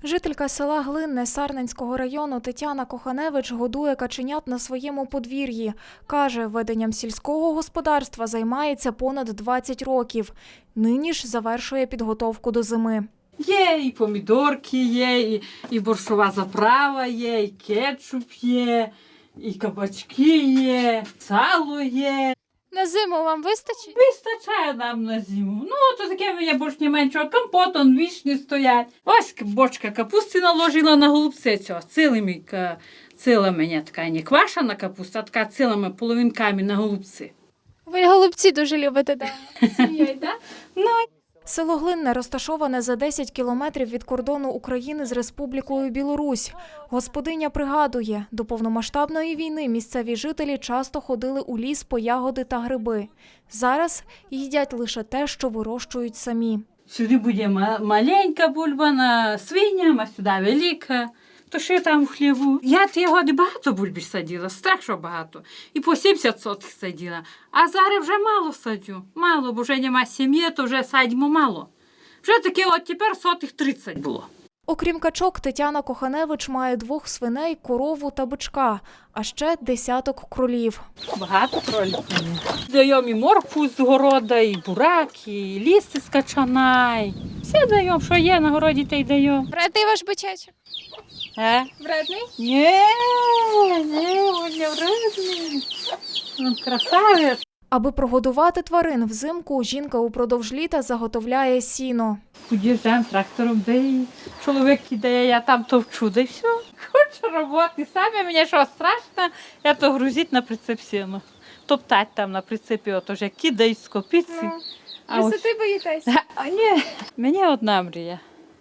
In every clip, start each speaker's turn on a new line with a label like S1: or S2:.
S1: Жителька села Глинне Сарненського району Тетяна Коханевич годує каченят на своєму подвір'ї. Каже, веденням сільського господарства займається понад 20 років. Нині ж завершує підготовку до зими.
S2: Є і помідорки є, і борщова заправа є, і кетчуп є, і кабачки є, сало є.
S3: На зиму вам вистачить?
S2: Вистачає нам на зиму. Ну, то таке мені борщ не меншого. Компот, он вічні стоять. Ось бочка капусти наложила на голубце цього. Ціла мені така не квашена капуста, а така цілими половинками на голубці.
S3: Ви голубці дуже любите, да? Сім'єю, так?
S2: Ну,
S1: Село Глинне розташоване за 10 кілометрів від кордону України з Республікою Білорусь. Господиня пригадує, до повномасштабної війни місцеві жителі часто ходили у ліс по ягоди та гриби. Зараз їдять лише те, що вирощують самі.
S2: сюди буде маленька бульба, свиня, а сюди велика. То ще там в хліву. Я ті годи багато бульбі садила, страшно багато. І по 70 сотих садила. А зараз вже мало садю. Мало, бо вже нема сім'ї, то вже садимо мало. Вже таке от тепер сотих 30 було.
S1: Окрім качок, Тетяна Коханевич має 2 свиней, корову та бичка, а ще десяток кролів.
S2: Багато кролів. Даємо і моркву з города, і бурак, і ліси з качана. І все даємо, що є на городі, те й даємо.
S3: Вредний ваш бичечок? Вредний?
S2: Ні, він не вредний. Він красавець.
S1: Аби прогодувати тварин взимку, жінка упродовж літа заготовляє сіно.
S2: Під'їжджаємо трактором, де і чоловік кидає, я там товчу, да й все. Хочу роботи. Самі мені що страшно, я то грузить на прицеп сіно. Топтать там на прицепі, ото ж як кидають з копиці. А ось-
S3: Висоти боїтесь?
S2: А ні, мені одна мрія.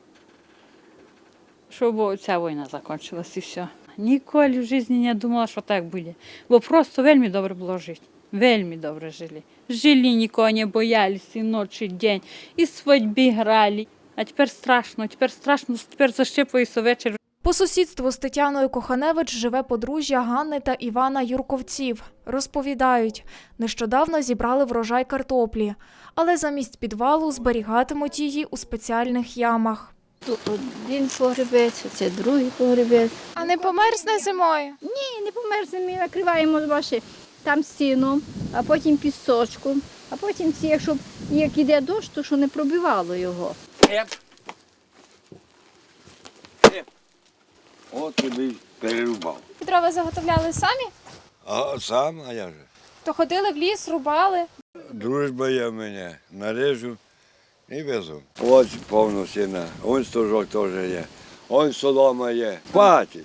S2: Щоб ця війна закінчилась і все. Ніколи в житті не думала, що так буде. Бо просто вельми добре було жити. Вельми добре жили. Жили, нікого не боялись, і ночі, і день, і свадьби грали. А тепер страшно, тепер защепується вечір.
S1: По сусідству з Тетяною Коханевич живе подружжя Ганни та Івана Юрковців. Розповідають, нещодавно зібрали врожай картоплі, але замість підвалу зберігатимуть її у спеціальних ямах.
S4: Тут один погребець, це другий погребець.
S3: А не померзне зимою?
S4: Ні, не померзне, ми накриваємо ваші там стіном, а потім пісочком, а потім ці, якщо як іде дощ, то що не пробивало його.
S5: От тобі перерубав.
S3: Дрова заготовляли самі?
S5: А сам, а я же.
S3: То ходили в ліс, рубали.
S5: Дружба є в мене. Нарежу і везу. Ось повно сіна. Он стожок теж є. Он солома є. Хватить.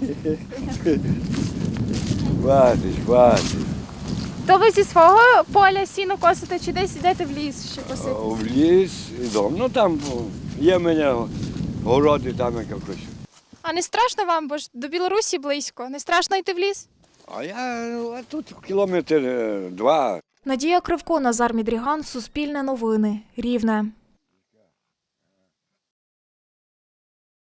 S5: Хватить.
S3: То ви зі свого поля сіно косите чи десь йдете в ліс ще косити?
S5: В ліс і дом. Ну там є в мене городи, там якось.
S3: А не страшно вам, бо ж до Білорусі близько? Не страшно йти в ліс?
S5: А тут кілометр 2.
S1: Надія Кривко, Назар Мідріган, Суспільне новини, Рівне.